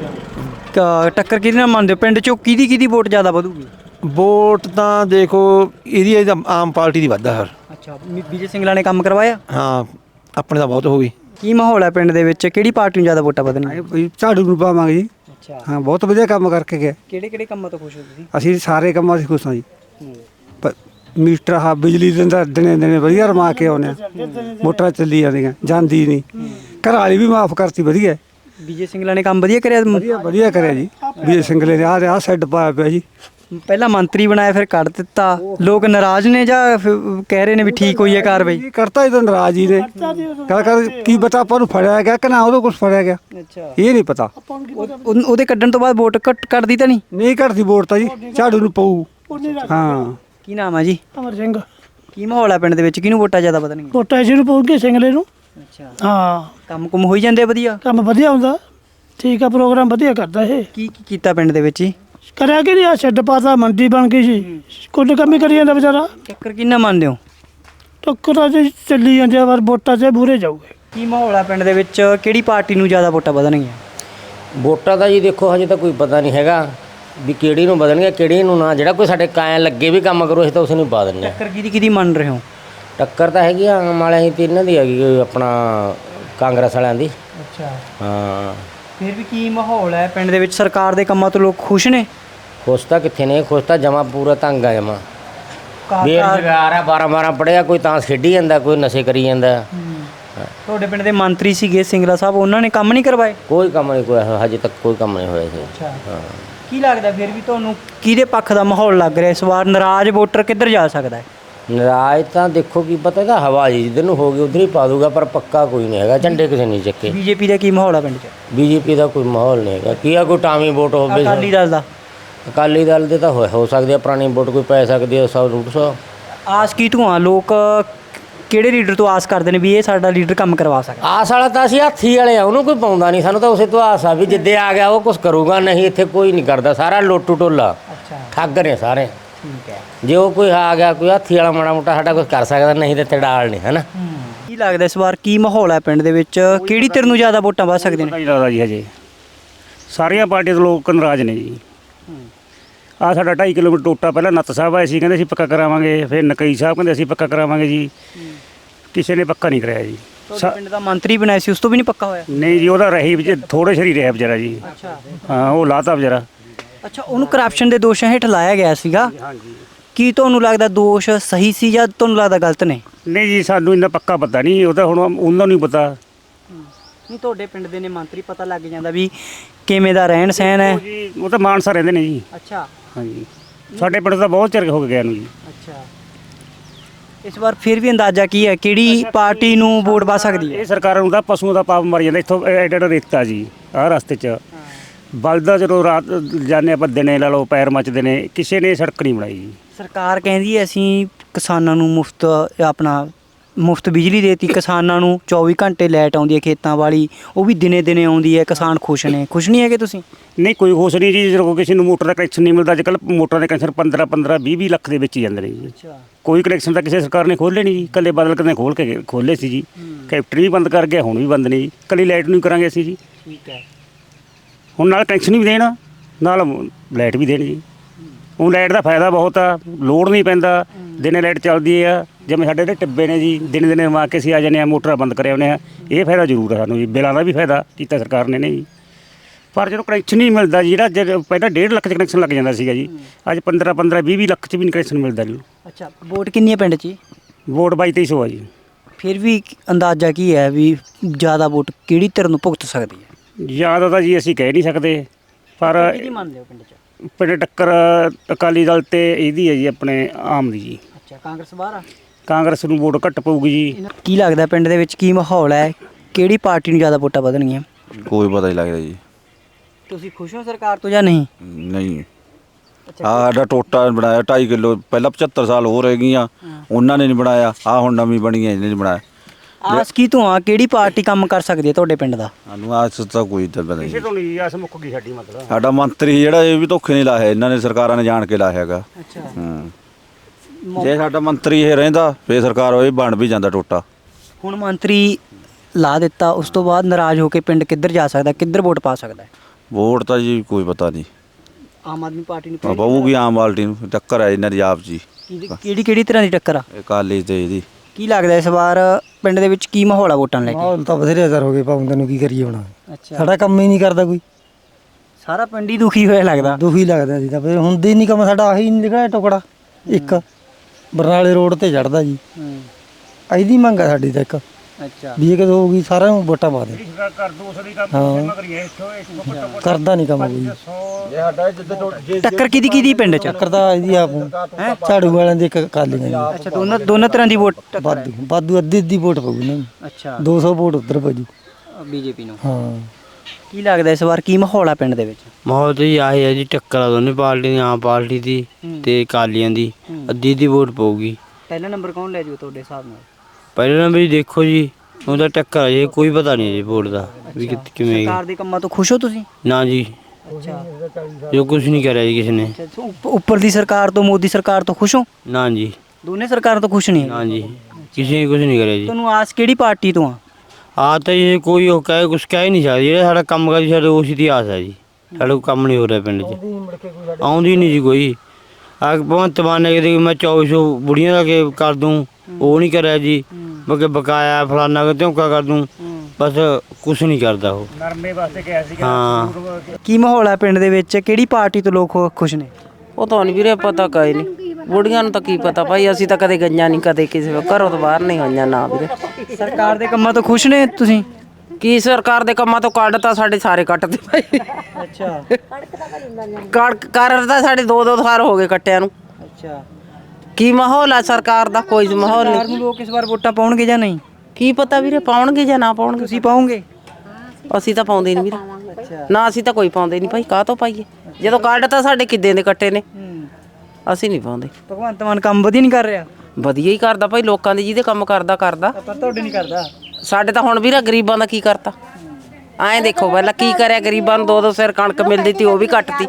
A: ਟੱਕਰ ਕਿਹਦੇ ਨਾਲ ਮੰਨਦੇ ਹੋ ਪਿੰਡ 'ਚੋਂ, ਕਿਹਦੀ ਵੋਟ ਜ਼ਿਆਦਾ ਵਧੂਗੀ?
E: ਵੋਟ ਤਾਂ ਦੇਖੋ ਇਹਦੀ ਆਮ ਪਾਰਟੀ ਦੀ ਵੱਧਾ ਹਰ।
A: ਅੱਛਾ, ਵਿਜੇ ਸਿੰਗਲਾ ਨੇ ਕੰਮ ਕਰਵਾਇਆ?
E: ਹਾਂ, ਆਪਣੇ ਤਾਂ ਬਹੁਤ ਹੋ ਗਈ।
A: ਕੀ ਮਾਹੌਲ ਹੈ ਪਿੰਡ ਦੇ ਵਿੱਚ, ਕਿਹੜੀ ਪਾਰਟੀ ਨੂੰ ਜ਼ਿਆਦਾ ਵੋਟਾਂ ਵਧਣਗੀਆਂ?
B: ਝਾੜੂ ਨੂੰ ਪਾਵਾਂਗੇ ਜੀ।
A: ਅੱਛਾ,
B: ਹਾਂ, ਬਹੁਤ ਵਧੀਆ ਕੰਮ ਕਰਕੇ ਗਏ।
A: ਕਿਹੜੇ ਕੰਮਾਂ ਤੋਂ ਖੁਸ਼ ਹੋ ਤੁਸੀਂ?
B: ਅਸੀਂ ਸਾਰੇ ਕੰਮਾਂ 'ਚ ਖੁਸ਼ ਹਾਂ ਜੀ। ਮੀਟਰ ਹਾਂ, ਬਿਜਲੀ ਦਿਨੇ ਵਧੀਆ ਰਮਾ ਕੇ ਆਉਂਦੇ ਆ, ਮੋਟਰਾਂ ਚੱਲੀ ਜਾਂਦੀਆਂ, ਜਾਂਦੀ ਨਹੀਂ, ਘਰ ਵਾਲੀ ਵੀ ਮਾਫ ਕਰਤੀ, ਵਧੀਆ।
A: ਵਿਜੇ ਸਿੰਗਲਾ ਨੇ ਕੰਮ ਵਧੀਆ ਕਰਿਆ?
B: ਵਧੀਆ ਕਰਿਆ ਜੀ ਵਿਜੇ ਸਿੰਗਲੇ ਨੇ। ਆਹ ਸੈੱਟ ਪਾਇਆ ਪਿਆ ਜੀ।
A: ਪਹਿਲਾਂ ਮੰਤਰੀ ਬਣਾਇਆ, ਫਿਰ ਕੱਢ ਦਿੱਤਾ, ਲੋਕ ਨਾਰਾਜ਼ ਨੇ ਜਾਂ ਕਹਿ ਰਹੇ ਨੇ ਵੀ ਠੀਕ ਹੋਈ ਹੈ ਕਾਰਵਾਈ?
B: ਕਰਤਾ ਹੀ ਤਾਂ ਨਾਰਾਜ਼ ਹੀ ਨੇ। ਕਰ ਕੀ ਪਤਾ ਆਪਾਂ ਨੂੰ ਫੜਿਆ ਗਿਆ ਕਿ ਨਾ ਉਹਦੇ ਕੁਝ ਫੜਿਆ ਗਿਆ,
A: ਅੱਛਾ,
B: ਇਹ ਨਹੀਂ ਪਤਾ।
A: ਉਹਦੇ ਕੱਢਣ ਤੋਂ ਬਾਅਦ ਵੋਟ ਕੱਢਦੀ ਤਾਂ ਨਹੀਂ?
B: ਨਹੀਂ ਕੱਢਦੀ ਵੋਟ ਤਾਂ ਜੀ, ਝਾੜੂ ਨੂੰ ਪਊ। ਹਾਂ।
A: ਕੀ ਨਾਮ ਹੈ ਜੀ?
G: ਅਮਰ ਸਿੰਘ।
A: ਕੀ ਮਾਹੌਲ ਹੈ ਪਿੰਡ ਦੇ ਵਿੱਚ, ਕਿਹਨੂੰ ਵੋਟਾਂ ਜ਼ਿਆਦਾ ਵਧਣਗੀਆਂ?
G: ਵੋਟਾਂ ਇਸੇ ਨੂੰ ਪਾਉਣਗੇ, ਸਿੰਗਲੇ ਨੂੰ।
A: ਅੱਛਾ,
G: ਹਾਂ,
A: ਕੰਮ ਕੁਮ ਹੋਈ ਜਾਂਦੇ ਵਧੀਆ?
G: ਕੰਮ ਵਧੀਆ ਹੁੰਦਾ, ਠੀਕ ਆ, ਪ੍ਰੋਗਰਾਮ ਵਧੀਆ ਕਰਦਾ ਇਹ।
A: ਕੀ ਕੀਤਾ ਪਿੰਡ ਦੇ ਵਿੱਚ ਜੀ?
F: ਕਰਿਆ ਕਿ ਨਹੀਂ ਆ ਛੱਡ ਪਾਤਾ ਮੰਡੀ ਬਣ ਗਈ ਸੀ ਕੁੱਲ ਕੰਮ ਹੀ ਕਰੀ ਜਾਂਦਾ ਵਿਚਾਰਾ
A: ਟੱਕਰ ਕਿੰਨਾ ਮੰਨਦੇ ਹੋ?
F: ਟੱਕਰਾਂ 'ਚ ਚੱਲੀ ਜਾਂਦੇ ਆ ਪਰ ਵੋਟਾਂ 'ਚ ਬੂਰੇ ਜਾਊਗੇ।
A: ਕੀ ਮਾਹੌਲ ਆ ਪਿੰਡ ਦੇ ਵਿੱਚ, ਕਿਹੜੀ ਪਾਰਟੀ ਨੂੰ ਜ਼ਿਆਦਾ ਵੋਟਾਂ ਵਧਣਗੀਆਂ?
D: ਵੋਟਾਂ ਦਾ ਜੀ ਦੇਖੋ ਹਜੇ ਤਾਂ ਕੋਈ ਪਤਾ ਨਹੀਂ ਹੈਗਾ ਵੀ ਕਿਹੜੀ ਨੂੰ ਬਦਲਣਗੇ ਕਿਹੜੀ ਨੂੰ ਨਾ। ਜਿਹੜਾ ਕੋਈ ਸਾਡੇ ਕਾਇਆਂ ਲੱਗੇ ਵੀ ਕੰਮ ਕਰੂ ਅਸੀਂ ਤਾਂ ਉਸ ਨੂੰ ਪਾ ਦਿੰਦੇ ਹਾਂ।
A: ਟੱਕਰ ਕਿਹਦੀ ਮੰਨ ਰਹੇ ਹੋ?
D: ਟੱਕਰ ਤਾਂ ਹੈਗੀ ਆ ਆਮ ਵਾਲਿਆਂ ਦੀ ਤੇ ਇਹਨਾਂ ਦੀ ਹੈਗੀ ਆਪਣਾ ਕਾਂਗਰਸ ਵਾਲਿਆਂ ਦੀ।
A: ਅੱਛਾ,
D: ਹਾਂ
A: ਫਿਰ ਵੀ ਕੀ ਮਾਹੌਲ ਹੈ ਪਿੰਡ ਦੇ ਵਿੱਚ? ਸਰਕਾਰ ਦੇ ਕੰਮਾਂ ਤੋਂ ਲੋਕ ਖੁਸ਼ ਨੇ?
D: ਖੁਸ਼ ਤਾਂ ਕਿੱਥੇ ਨੇ, ਖੁਸ਼ ਤਾਂ ਜਮਾ ਪੂਰਾ ਤੰਗ ਆ ਜਮਾ। ਬੇਰੁਜ਼ਗਾਰ ਆ, 12 ਪੜ੍ਹਿਆ, ਕੋਈ ਤਾਂ ਖੇਡੀ ਜਾਂਦਾ, ਕੋਈ ਨਸ਼ੇ ਕਰੀ ਜਾਂਦਾ।
A: ਤੁਹਾਡੇ ਪਿੰਡ ਦੇ ਮੰਤਰੀ ਸੀਗੇ ਸਿੰਗਲਾ ਸਾਹਿਬ, ਉਹਨਾਂ ਨੇ ਕੰਮ ਨਹੀਂ ਕਰਵਾਏ?
D: ਕੋਈ ਕੰਮ ਨਹੀਂ ਕੋਈ ਹਜੇ ਤੱਕ ਕੋਈ ਕੰਮ ਨਹੀਂ ਹੋਇਆ ਸੀ।
A: ਅੱਛਾ,
D: ਹਾਂ
A: ਕੀ ਲੱਗਦਾ ਫਿਰ ਵੀ ਤੁਹਾਨੂੰ ਕਿਹਦੇ ਪੱਖ ਦਾ ਮਾਹੌਲ ਲੱਗ ਰਿਹਾ ਇਸ ਵਾਰ? ਨਾਰਾਜ਼ ਵੋਟਰ ਕਿੱਧਰ ਜਾ ਸਕਦਾ ਹੈ?
D: ਨਾਰਾਜ਼ ਤਾਂ ਦੇਖੋ ਕੀ ਪਤਾ ਇਹਦਾ ਹਵਾ ਜੀ ਜਿੱਧਰ ਨੂੰ ਹੋ ਗਈ ਉਧਰ ਹੀ ਪਾ ਦੂਗਾ, ਪਰ ਪੱਕਾ ਕੋਈ ਨਹੀਂ ਹੈਗਾ। ਝੰਡੇ ਕਿਸੇ ਨਹੀਂ ਚੱਕੇ।
A: ਬੀਜੇਪੀ ਦਾ ਕੀ ਮਾਹੌਲ ਆ ਪਿੰਡ 'ਚ?
D: ਬੀਜੇਪੀ ਦਾ ਕੋਈ ਮਾਹੌਲ ਨਹੀਂ ਹੈਗਾ। ਕੀ ਆ ਕੋਈ ਟਾਵੀਂ ਵੋਟ ਹੋਵੇ?
A: ਅਕਾਲੀ ਦਲ ਦਾ?
D: ਅਕਾਲੀ ਦਲ ਦੇ ਤਾਂ ਹੋ ਸਕਦੇ ਆ, ਪੁਰਾਣੀ ਵੋਟ ਕੋਈ ਪੈ ਸਕਦੀ ਆ 100-150।
A: ਆਸ ਕੀ ਤੂੰ ਆ? ਲੋਕ ਕਿਹੜੇ ਲੀਡਰ ਤੋਂ ਆਸ ਕਰਦੇ ਨੇ ਵੀ ਇਹ ਸਾਡਾ ਲੀਡਰ ਕੰਮ ਕਰਵਾ ਸਕਦਾ?
D: ਆਸ ਵਾਲਾ ਤਾਂ ਅਸੀਂ ਹਾਥੀ ਵਾਲੇ ਆ, ਉਹਨੂੰ ਕੋਈ ਪਾਉਂਦਾ ਨਹੀਂ। ਸਾਨੂੰ ਤਾਂ ਉਸੇ ਤੋਂ ਆਸ ਆ ਵੀ ਜਿੱਦੇ ਆ ਗਿਆ ਉਹ ਕੁਝ ਕਰੂਗਾ, ਨਹੀਂ ਇੱਥੇ ਕੋਈ ਨਹੀਂ ਕਰਦਾ, ਸਾਰਾ ਲੋਟੂ ਟੋਲਾ।
A: ਅੱਛਾ,
D: ਠੱਗ ਨੇ ਸਾਰੇ।
A: ਠੀਕ ਹੈ।
D: ਜੇ ਉਹ ਕੋਈ ਆ ਗਿਆ ਕੋਈ ਹਾਥੀ ਵਾਲਾ ਮਾੜਾ ਮੋਟਾ ਸਾਡਾ ਕੁਝ ਕਰ ਸਕਦਾ, ਨਹੀਂ ਤੇ ਇੱਥੇ ਡਾਲ ਨਹੀਂ ਹੈ ਨਾ।
A: ਕੀ ਲੱਗਦਾ ਇਸ ਵਾਰ ਕੀ ਮਾਹੌਲ ਹੈ ਪਿੰਡ ਦੇ ਵਿੱਚ? ਕਿਹੜੀ ਧਿਰ ਨੂੰ ਜ਼ਿਆਦਾ ਵੋਟਾਂ ਵੱਧ ਸਕਦੀਆਂ ਨੇ?
C: ਨਹੀਂ ਲੱਗਦਾ ਜੀ ਹਜੇ ਸਾਰੀਆਂ ਪਾਰਟੀਆਂ ਤੋਂ ਲੋਕ ਨਾਰਾਜ਼ ਨੇ ਜੀ। ਆ ਸਾਡਾ 2.5 ਕਿਲੋਮੀਟਰ ਟੋਟਾ ਪਹਿਲਾਂ ਨੱਤ ਸਾਹਿਬ ਆਏ ਸੀ, ਕਹਿੰਦੇ ਅਸੀਂ ਪੱਕਾ ਕਰਾਵਾਂਗੇ, ਫਿਰ ਨਕਈ ਸਾਹਿਬ ਕਹਿੰਦੇ ਅਸੀਂ ਪੱਕਾ ਕਰਾਵਾਂਗੇ ਜੀ। ਕਿਸੇ ਨੇ ਪੱਕਾ ਨਹੀਂ ਕਰਾਇਆ ਜੀ।
A: ਤੁਹਾਡੇ ਪਿੰਡ ਦਾ ਮੰਤਰੀ ਬਣਾਇਆ ਸੀ, ਉਸ ਤੋਂ ਵੀ ਨਹੀਂ ਪੱਕਾ ਹੋਇਆ?
C: ਨਹੀਂ ਜੀ, ਉਹਦਾ ਰਹੀ ਵਿੱਚ ਥੋੜੇ ਸ਼ਰੀ ਰਿਹਾ ਵਿਚਾਰਾ ਜੀ।
A: ਅੱਛਾ,
C: ਹਾਂ ਉਹ ਲਾਤਾ ਵਿਚਾਰਾ।
A: ਅੱਛਾ, ਉਹਨੂੰ ਕਰਪਸ਼ਨ ਦੇ ਦੋਸ਼ਾਂ ਹੇਠ ਲਾਇਆ ਗਿਆ ਸੀਗਾ। ਕੀ ਤੁਹਾਨੂੰ ਲੱਗਦਾ ਦੋਸ਼ ਸਹੀ ਸੀ ਜਾਂ ਤੁਹਾਨੂੰ ਲੱਗਦਾ ਗਲਤ ਨੇ?
C: ਨਹੀਂ ਜੀ, ਸਾਨੂੰ ਇੰਨਾ ਪੱਕਾ ਪਤਾ ਨਹੀਂ, ਉਹ ਤਾਂ ਹੁਣ ਉਹਨਾਂ ਨੂੰ ਹੀ ਪਤਾ।
A: ਨਹੀਂ, ਤੁਹਾਡੇ ਪਿੰਡ ਦੇ ਨੇ ਮੰਤਰੀ, ਪਤਾ ਲੱਗ ਜਾਂਦਾ ਵੀ ਕਿਵੇਂ ਦਾ ਰਹਿਣ ਸਹਿਣ ਹੈ।
C: ਜੀ ਉਹ ਤਾਂ ਮਾਨਸਾ ਰਹਿੰਦੇ ਨੇ ਜੀ।
A: ਅੱਛਾ,
C: ਹਾਂਜੀ, ਸਾਡੇ ਪਿੰਡ ਤਾਂ ਬਹੁਤ ਚਿਰ ਹੋ ਗਿਆ ਨੂੰ ਜੀ।
A: ਅੱਛਾ, ਇਸ ਵਾਰ ਫਿਰ ਵੀ ਅੰਦਾਜ਼ਾ ਕੀ ਹੈ ਕਿਹੜੀ ਪਾਰਟੀ ਨੂੰ ਵੋਟ ਪਾ ਸਕਦੀ ਹੈ?
C: ਇਹ ਸਰਕਾਰਾਂ ਨੂੰ ਤਾਂ ਪਸ਼ੂਆਂ ਦਾ ਪਾਪ ਮਰ ਜਾਂਦਾ। ਇੱਥੋਂ ਐਡਾ ਰੇਤਾ ਜੀ ਆਹ ਰਸਤੇ 'ਚ ਬਲਦਾ, ਜਦੋਂ ਰਾਤ ਜਾਂਦੇ ਆਪਾਂ ਦਿਨੇ ਲਾ ਲਓ ਪੈਰ ਮੱਚਦੇ ਨੇ, ਕਿਸੇ ਨੇ ਸੜਕ ਨਹੀਂ ਬਣਾਈ ਜੀ।
A: ਸਰਕਾਰ ਕਹਿੰਦੀ ਹੈ ਅਸੀਂ ਕਿਸਾਨਾਂ ਨੂੰ ਮੁਫਤ ਬਿਜਲੀ ਦੇਤੀ, ਕਿਸਾਨਾਂ ਨੂੰ 24 ਘੰਟੇ ਲਾਈਟ ਆਉਂਦੀ ਹੈ ਖੇਤਾਂ ਵਾਲੀ, ਉਹ ਵੀ ਦਿਨੇ ਦਿਨੇ ਆਉਂਦੀ ਹੈ, ਕਿਸਾਨ ਖੁਸ਼ ਨੇ। ਖੁਸ਼ ਨਹੀਂ ਹੈਗੇ ਤੁਸੀਂ?
C: ਨਹੀਂ, ਕੋਈ ਖੁਸ਼ ਨਹੀਂ ਜੀ। ਜਦੋਂ ਕਿਸੇ ਨੂੰ ਮੋਟਰ ਦਾ ਕਨੈਕਸ਼ਨ ਨਹੀਂ ਮਿਲਦਾ, ਅੱਜ ਕੱਲ੍ਹ ਮੋਟਰਾਂ ਦੇ ਕਨੈਕਸ਼ਨ 15-15 20-20 ਲੱਖ ਦੇ ਵਿੱਚ ਹੀ ਜਾਂਦੇ ਨੇ ਜੀ।
A: ਅੱਛਾ,
C: ਕੋਈ ਕਨੈਕਸ਼ਨ ਤਾਂ ਕਿਸੇ ਸਰਕਾਰ ਨੇ ਖੋਲ੍ਹੇ ਨਹੀਂ ਜੀ। ਇਕੱਲੇ ਬਦਲ ਕੇ ਖੋਲ ਕੇ ਖੋਲ੍ਹੇ ਸੀ ਜੀ। ਕੈਪਟਨ ਵੀ ਬੰਦ ਕਰ ਗਿਆ, ਹੁਣ ਵੀ ਬੰਦ ਨੇ ਜੀ। ਇਕੱਲੀ ਲਾਈਟ ਨੂੰ ਕਰਾਂਗੇ ਅਸੀਂ ਜੀ।
A: ਠੀਕ ਹੈ।
C: ਹੁਣ ਨਾਲ ਕਨੈਕਸ਼ਨ ਵੀ ਦੇਣ, ਨਾਲ ਲਾਈਟ ਵੀ ਦੇਣ ਜੀ। ਉਹ ਲਾਈਟ ਦਾ ਫਾਇਦਾ ਬਹੁਤ ਆ, ਲੋਡ ਨਹੀਂ ਪੈਂਦਾ, ਦਿਨੇ ਲਾਈਟ ਚੱਲਦੀ ਆ। ਜਿਵੇਂ ਸਾਡੇ ਦੇ ਟਿੱਬੇ ਨੇ ਜੀ, ਦਿਨੇ ਦਿਨੇ ਮਾ ਕੇ ਅਸੀਂ ਆ ਜਾਂਦੇ ਹਾਂ, ਮੋਟਰਾਂ ਬੰਦ ਕਰੇ ਆਉਂਦੇ ਹਾਂ। ਇਹ ਫਾਇਦਾ ਜ਼ਰੂਰ ਆ ਸਾਨੂੰ ਜੀ, ਬਿੱਲਾਂ ਦਾ ਵੀ ਫਾਇਦਾ ਕੀਤਾ ਸਰਕਾਰ ਨੇ ਜੀ। ਪਰ ਜਦੋਂ ਕਨੈਕਸ਼ਨ ਨਹੀਂ ਮਿਲਦਾ ਜੀ, ਜਿਹੜਾ ਪਹਿਲਾਂ 1.5 ਲੱਖ 'ਚ ਕਨੈਕਸ਼ਨ ਲੱਗ ਜਾਂਦਾ ਸੀਗਾ ਜੀ, ਅੱਜ 15-15 20-20 ਲੱਖ 'ਚ ਵੀ ਨਹੀਂ ਕਨੈਕਸ਼ਨ ਮਿਲਦਾ ਜੀ।
A: ਅੱਛਾ, ਵੋਟ ਕਿੰਨੀ ਹੈ ਪਿੰਡ 'ਚ?
C: ਵੋਟ 2200 ਆ ਜੀ।
A: ਫਿਰ ਵੀ ਅੰਦਾਜ਼ਾ ਕੀ ਹੈ ਵੀ ਜ਼ਿਆਦਾ ਵੋਟ ਕਿਹੜੀ ਧਿਰ ਨੂੰ ਭੁਗਤ ਸਕਦੀ ਹੈ?
C: ਜ਼ਿਆਦਾ ਤਾਂ ਜੀ ਅਸੀਂ ਕਹਿ ਨਹੀਂ ਸਕਦੇ, ਪਰ
A: ਕਿਹਦੀ ਮੰਨਦੇ ਹੋ ਪਿੰਡ 'ਚ?
C: ਪਿੰਡ ਟੱਕਰ ਅਕਾਲੀ ਦਲ ਤੇ ਇਹਦੀ ਹੈ ਜੀ, ਆਪਣੇ ਆਮ ਦੀ ਜੀ।
A: ਅੱਛਾ, ਕਾਂਗਰਸ ਬਾਹਰ ਆ?
C: ਕਾਂਗਰਸ ਨੂੰ ਵੋਟ ਘੱਟ ਪਊਗੀ ਜੀ।
A: ਕੀ ਲੱਗਦਾ ਪਿੰਡ ਦੇ ਵਿੱਚ ਕੀ ਮਾਹੌਲ ਹੈ? ਕਿਹੜੀ ਪਾਰਟੀ ਨੂੰ ਜ਼ਿਆਦਾ ਵੋਟਾਂ ਵਧਣਗੀਆਂ?
K: ਕੋਈ ਪਤਾ ਨਹੀਂ ਲੱਗਦਾ ਜੀ।
A: ਤੁਸੀਂ ਖੁਸ਼ ਹੋ ਸਰਕਾਰ ਤੋਂ ਜਾਂ ਨਹੀਂ?
K: ਨਹੀਂ, ਸਾਡਾ ਟੋਟਾ ਬਣਾਇਆ 2.5 ਕਿਲੋ, ਪਹਿਲਾਂ 75 ਸਾਲ ਹੋ ਰਹਿ ਗਈਆਂ, ਉਹਨਾਂ ਨੇ ਨਹੀਂ ਬਣਾਇਆ। ਆ ਹੁਣ ਨਵੀਂ ਬਣੀ ਹੈ, ਇਹਨੇ ਨਹੀਂ ਬਣਾਇਆ।
A: ਆਸ ਕੀ ਤੂੰ ਆ ਕਿਹੜੀ ਪਾਰਟੀ ਕੰਮ ਕਰ ਸਕਦੀ ਹੈ ਤੁਹਾਡੇ ਪਿੰਡ ਦਾ?
K: ਸਾਨੂੰ ਆਸ ਤਾਂ ਕੋਈ ਤਾਂ ਪਤਾ ਨਹੀਂ।
C: ਕਿਸੇ ਤੋਂ ਨਹੀਂ ਆਸ ਮੁੱਕ ਗਈ ਸਾਡੀ ਮਤਲਬ।
K: ਸਾਡਾ ਮੰਤਰੀ ਜਿਹੜਾ ਇਹ ਵੀ ਧੋਖੇ ਨਹੀਂ ਲਾਇਆ, ਇਹਨਾਂ ਨੇ ਸਰਕਾਰਾਂ ਨੇ ਜਾਣ ਕੇ ਲਾਇਆ ਹੈਗਾ।
A: ਅੱਛਾ,
K: ਜੇ ਸਾਡਾ ਮੰਤਰੀ ਇਹ ਰਹਿੰਦਾ ਫੇਰ ਸਰਕਾਰ ਉਹ ਬਣ ਵੀ ਜਾਂਦਾ ਟੋਟਾ।
A: ਹੁਣ ਮੰਤਰੀ ਲਾ ਦਿੱਤਾ, ਉਸ ਤੋਂ ਬਾਅਦ ਨਾਰਾਜ਼ ਹੋ ਕੇ ਪਿੰਡ ਕਿੱਧਰ ਜਾ ਸਕਦਾ, ਕਿੱਧਰ ਵੋਟ ਪਾ ਸਕਦਾ?
K: ਵੋਟ ਤਾਂ ਜੀ ਕੋਈ ਪਤਾ ਨਹੀਂ,
A: ਆਮ ਆਦਮੀ ਪਾਰਟੀ ਨੂੰ
K: ਪਊਗੀ ਆਮ ਪਾਰਟੀ ਨੂੰ। ਟੱਕਰ ਹੈ ਇਹਨਾਂ ਦੀ ਆਪ ਜੀ।
A: ਕਿਹੜੀ ਤਰ੍ਹਾਂ ਦੀ ਟੱਕਰ ਆ?
K: ਅਕਾਲੀ ਤੇ ਇਹਦੀ।
A: ਕੀ ਲੱਗਦਾ ਇਸ ਵਾਰ ਪਿੰਡ ਦੇ ਵਿੱਚ ਕੀ ਮਾਹੌਲ ਆ ਵੋਟਾਂ ਲੈ ਕੇ?
B: ਮਾਹੌਲ ਤਾਂ ਬਥੇਰੇ ਅਸਰ ਹੋ ਗਏ ਪਾਉਂਦੇ ਨੂੰ, ਕੀ ਕਰੀਏ ਹੁਣ?
A: ਅੱਛਾ,
B: ਸਾਡਾ ਕੰਮ ਹੀ ਨਹੀਂ ਕਰਦਾ ਕੋਈ।
A: ਸਾਰਾ ਪਿੰਡ ਹੀ ਦੁਖੀ ਹੋਇਆ ਲੱਗਦਾ।
B: ਦੁਖੀ ਲੱਗਦਾ ਸੀ ਤਾਂ ਫਿਰ ਹੁੰਦੇ ਨਹੀਂ ਕੰਮ ਸਾਡਾ। ਆਹੀ ਨਹੀਂ ਲਿਖਿਆ ਟੁਕੜਾ ਇੱਕ ਬਰਨਾਲੇ ਰੋਡ ਤੇ ਚੜਦਾ ਜੀ। ਇਹਦੀ ਮੰਗ ਆ ਸਾਡੀ ਤਾਂ ਇੱਕ।
A: ਅੱਛਾ,
B: ਵੀ ਇਹ ਕਦੋਂ ਹੋਊਗੀ, ਸਾਰਿਆਂ ਨੂੰ ਵੋਟਾਂ ਪਾ ਦੇ।
C: ਕਰ ਦੋ ਉਸ ਦੀ ਕੰਮ
B: ਕਰਦਾ ਨਹੀਂ ਕੰਮ ਕੋਈ।
A: ਟੱਕਰ ਕਿਹਦੀ ਪਿੰਡ 'ਚ?
B: ਕਰਦਾ ਇਹਦੀ ਆਪ ਝਾੜੂ ਵਾਲਿਆਂ ਦੀ, ਇੱਕ ਅਕਾਲੀਆਂ ਦੀ।
A: ਅੱਛਾ, ਦੋਨਾਂ ਤਰ੍ਹਾਂ ਦੀ ਵੋਟ?
B: ਵਾਧੂ ਅੱਧੀ ਵੋਟ ਪਊ ਨਾ।
A: ਅੱਛਾ,
B: 200 ਵੋਟ ਉੱਧਰ ਪਊ
A: ਬੀਜੇਪੀ ਨੂੰ।
B: ਹਾਂ।
A: ਕੀ ਲੱਗਦਾ ਇਸ ਵਾਰ ਕੀ ਮਾਹੌਲ ਆ ਪਿੰਡ ਦੇ ਵਿੱਚ?
L: ਮਾਹੌਲ ਤਾਂ ਜੀ ਆਹੀ ਹੈ ਜੀ, ਟੱਕਰ ਆ ਦੋਨੇ ਪਾਰਟੀ ਦੀ, ਆਮ ਪਾਰਟੀ ਦੀ ਤੇ ਅਕਾਲੀਆਂ ਦੀ। ਅੱਧੀ ਵੋਟ ਪਊਗੀ।
A: ਪਹਿਲਾ ਨੰਬਰ ਕੌਣ ਲੈ ਜੂ ਤੁਹਾਡੇ ਹਿਸਾਬ ਨਾਲ?
L: ਪਹਿਲੇ ਨੰਬਰ ਜੀ ਦੇਖੋ ਜੀ, ਉਹਦਾ ਟੱਕਰ ਆ ਜੀ, ਕੋਈ ਪਤਾ ਨਹੀਂ ਜੀ ਵੋਟ ਦਾ ਵੀ ਕਿਵੇਂ।
A: ਸਰਕਾਰ ਦੇ ਕੰਮਾਂ ਤੋਂ ਖੁਸ਼ ਹੋ ਤੁਸੀਂ?
L: ਨਾ ਜੀ, ਜੋ ਕੁਝ ਨਹੀਂ ਕਰਿਆ ਜੀ ਕਿਸੇ ਨੇ।
A: ਉੱਪਰ ਦੀ ਸਰਕਾਰ ਤੋਂ, ਮੋਦੀ ਸਰਕਾਰ ਤੋਂ ਖੁਸ਼ ਹੋ?
L: ਨਾ ਜੀ,
A: ਦੋਨੇ ਸਰਕਾਰਾਂ ਤੋਂ ਖੁਸ਼ ਨਹੀਂ?
L: ਨਾ ਜੀ, ਕਿਸੇ ਨੇ ਕੁਝ ਨਹੀਂ ਕਰਿਆ ਜੀ।
A: ਤੁਹਾਨੂੰ ਆਸ ਕਿਹੜੀ ਪਾਰਟੀ ਤੋਂ ਆ?
L: ਆ ਤਾਂ ਜੀ ਕੋਈ ਉਹ ਕਹੇ ਕੁਝ ਕਹਿ ਨਹੀਂ ਸਕਦਾ। ਜਿਹੜਾ ਸਾਡਾ ਕੰਮ ਕਰ ਸਾਡੇ ਉਸੇ ਦੀ ਆਸ ਹੈ ਜੀ। ਸਾਡਾ ਕੋਈ ਕੰਮ ਨਹੀਂ ਹੋ ਰਿਹਾ ਪਿੰਡ 'ਚ, ਆਉਂਦੀ ਨਹੀਂ ਜੀ ਕੋਈ। ਆ ਭਗਵੰਤ ਮਾਨ ਨੇ ਕਿਤੇ ਮੈਂ 2400 ਬੁੜੀਆਂ ਦਾ ਕੇ ਕਰ ਦੂੰ, ਉਹ ਨਹੀਂ ਕਰਿਆ ਜੀ। ਬਕੇ ਬਕਾਇਆ ਫਲਾਨਾ ਕਿ ਧੌਂਕਾ ਕਰ ਦੂੰ, ਬਸ ਕੁਝ ਨਹੀਂ ਕਰਦਾ ਉਹ।
C: ਨਰਮੇ ਵਾਸਤੇ ਕਿਹਾ ਸੀਗਾ।
L: ਹਾਂ,
A: ਕੀ ਮਾਹੌਲ ਹੈ ਪਿੰਡ ਦੇ ਵਿੱਚ? ਕਿਹੜੀ ਪਾਰਟੀ ਤੋਂ ਲੋਕ ਖੁਸ਼ ਨੇ?
M: ਉਹ ਤਾਂ ਨਹੀਂ ਵੀਰੇ ਪਤਾ ਕਾਇ ਨਹੀਂ, ਬੁੜੀਆਂ ਨੂੰ ਤਾਂ ਕੀ ਪਤਾ ਭਾਈ, ਅਸੀਂ ਤਾਂ ਕਦੇ ਗਈਆਂ ਨਹੀਂ, ਕਦੇ ਕਿਸੇ ਘਰੋਂ ਤੋਂ ਬਾਹਰ ਨਹੀਂ ਹੋਈਆਂ ਨਾ ਵੀਰੇ।
A: ਸਰਕਾਰ ਦੇ ਕੰਮਾਂ ਤੋਂ ਖੁਸ਼ ਨੇ ਤੁਸੀਂ?
M: ਕੀ ਸਰਕਾਰ ਦੇ ਕੰਮਾਂ ਤੋਂ ਕੱਢ ਤਾਂ ਸਾਡੇ ਸਾਰੇ ਕੱਟਦੇ ਭਾਈ।
A: ਅੱਛਾ,
M: ਕਰ ਤਾਂ ਸਾਡੇ 2-2 ਸਾਲ ਹੋ ਗਏ ਕੱਟਿਆਂ ਨੂੰ।
A: ਅੱਛਾ,
M: ਕੀ ਮਾਹੌਲ ਆ ਸਰਕਾਰ ਦਾ? ਕੋਈ ਮਾਹੌਲ
A: ਸਰਕਾਰ
M: ਨਹੀਂ।
A: ਨੂੰ ਲੋਕ ਇਸ ਵਾਰ ਵੋਟਾਂ ਪਾਉਣਗੇ ਜਾਂ ਨਹੀਂ?
M: ਕੀ ਪਤਾ ਵੀਰੇ ਪਾਉਣਗੇ ਜਾਂ ਨਾ ਪਾਉਣਗੇ।
A: ਤੁਸੀਂ ਪਾਉਂਗੇ?
M: ਅਸੀਂ ਤਾਂ ਪਾਉਂਦੇ ਨਹੀਂ ਵੀਰੇ, ਨਾ ਅਸੀਂ ਤਾਂ ਕੋਈ ਪਾਉਂਦੇ ਨਹੀਂ ਭਾਈ। ਕਾਹ ਤੋਂ ਪਾਈਏ ਜਦੋਂ ਕੱਢ ਤਾਂ ਸਾਡੇ ਕਿੱਦੇ ਦੇ ਕੱਟੇ ਨੇ, ਅਸੀਂ ਨਹੀਂ ਪਾਉਂਦੇ।
A: ਭਗਵੰਤ ਮਾਨ ਕੰਮ ਵਧੀਆ ਨਹੀਂ ਕਰ ਰਿਹਾ?
M: ਵਧੀਆ ਹੀ ਕਰਦਾ ਭਾਈ, ਲੋਕਾਂ ਦੇ ਜਿਹਦੇ ਕੰਮ ਕਰਦਾ
A: ਪਰ ਤੁਹਾਡੇ ਨਹੀਂ ਕਰਦਾ।
M: ਸਾਡੇ ਤਾਂ ਹੁਣ ਵੀਰਾ ਗਰੀਬਾਂ ਦਾ ਕੀ ਕਰਤਾ? ਐਂ ਦੇਖੋ ਪਹਿਲਾਂ ਕੀ ਕਰਿਆ ਗਰੀਬਾਂ ਨੂੰ, 2-2 ਸਿਰ ਕਣਕ ਮਿਲਦੀ ਤੀ ਉਹ ਵੀ ਕੱਟਤੀ।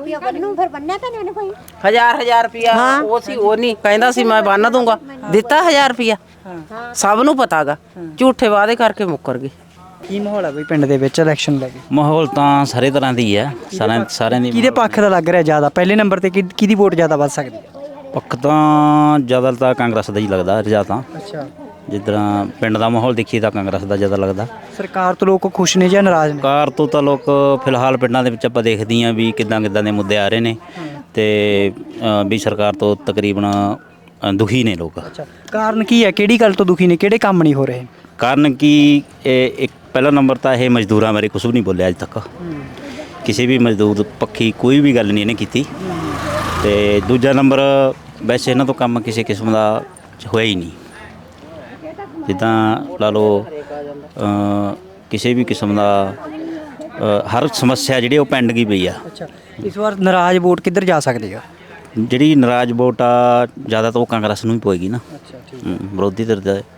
M: 1000 ਰੁਪਿਆ ਉਹ ਸੀ, ਉਹ ਨਹੀਂ ਕਹਿੰਦਾ ਸੀ ਮੈਂ ਬੰਨ ਦੂੰਗਾ, ਦਿੱਤਾ 1000 ਰੁਪਿਆ। ਸਭ ਨੂੰ ਪਤਾਗਾ, ਝੂਠੇ ਵਾਅਦੇ ਕਰਕੇ ਮੁੱਕਰ ਗਏ।
A: ਕੀ ਮਾਹੌਲ ਹੈ ਬਈ ਪਿੰਡ ਦੇ ਵਿੱਚ ਇਲੈਕਸ਼ਨ ਲੈ ਕੇ?
N: ਮਾਹੌਲ ਤਾਂ ਸਾਰੇ ਤਰ੍ਹਾਂ ਦੀ ਹੈ, ਸਾਰਿਆਂ ਦੀ।
A: ਕਿਹਦੇ ਪੱਖ ਦਾ ਲੱਗ ਰਿਹਾ ਜ਼ਿਆਦਾ? ਪਹਿਲੇ ਨੰਬਰ ਤੇ ਕਿਹਦੀ ਵੋਟ ਜ਼ਿਆਦਾ ਵੱਧ ਸਕਦੀ ਹੈ?
N: ਪੱਖ ਤਾਂ ਜ਼ਿਆਦਾ ਤਾਂ ਕਾਂਗਰਸ ਦਾ ਹੀ ਲੱਗਦਾ ਰਜਾ ਤਾਂ।
A: ਅੱਛਾ,
N: ਜਿੱਦਾਂ ਪਿੰਡ ਦਾ ਮਾਹੌਲ ਦੇਖੀਏ ਤਾਂ ਕਾਂਗਰਸ ਦਾ ਜ਼ਿਆਦਾ ਲੱਗਦਾ।
A: ਸਰਕਾਰ ਤੋਂ ਲੋਕ ਖੁਸ਼ ਨੇ ਜਾਂ ਨਾਰਾਜ਼ ਨੇ?
N: ਸਰਕਾਰ ਤੋਂ ਤਾਂ ਲੋਕ ਫਿਲਹਾਲ ਪਿੰਡਾਂ ਦੇ ਵਿੱਚ ਆਪਾਂ ਦੇਖਦੇ ਹਾਂ ਵੀ ਕਿੱਦਾਂ ਦੇ ਮੁੱਦੇ ਆ ਰਹੇ ਨੇ, ਤੇ ਵੀ ਸਰਕਾਰ ਤੋਂ ਤਕਰੀਬਨ ਦੁਖੀ ਨੇ ਲੋਕ।
A: ਅੱਛਾ, ਕਾਰਨ ਕੀ ਹੈ? ਕਿਹੜੀ ਗੱਲ ਤੋਂ ਦੁਖੀ ਨੇ? ਕਿਹੜੇ ਕੰਮ ਨਹੀਂ ਹੋ ਰਹੇ?
N: ਕਾਰਨ ਕੀ, ਇੱਕ ਪਹਿਲਾ ਨੰਬਰ ਤਾਂ ਇਹ ਮਜ਼ਦੂਰਾਂ ਬਾਰੇ ਕੁਝ ਵੀ ਨਹੀਂ ਬੋਲਿਆ ਅੱਜ ਤੱਕ। ਕਿਸੇ ਵੀ ਮਜ਼ਦੂਰ ਪੱਖੀ ਕੋਈ ਵੀ ਗੱਲ ਨਹੀਂ ਇਹਨੇ ਕੀਤੀ। ਤੇ ਦੂਜਾ ਨੰਬਰ, ਵੈਸੇ ਇਹਨਾਂ ਤੋਂ ਕੰਮ ਕਿਸੇ ਕਿਸਮ ਦਾ ਹੋਇਆ ਹੀ ਨਹੀਂ। ਜਿੱਦਾਂ ਲਾ ਲਓ ਕਿਸੇ ਵੀ ਕਿਸਮ ਦਾ ਹਰ ਸਮੱਸਿਆ ਜਿਹੜੀ ਉਹ ਪਿੰਡ ਗਈ ਪਈ ਆ।
A: ਅੱਛਾ, ਇਸ ਵਾਰ ਨਾਰਾਜ਼ ਵੋਟ ਕਿੱਧਰ ਜਾ ਸਕਦੀ ਆ?
N: ਜਿਹੜੀ ਨਾਰਾਜ਼ ਵੋਟ ਆ ਜ਼ਿਆਦਾ ਤਾਂ ਉਹ ਕਾਂਗਰਸ ਨੂੰ ਹੀ ਪਵੇਗੀ ਨਾ। ਵਿਰੋਧੀ ਧਿਰ ਦਾ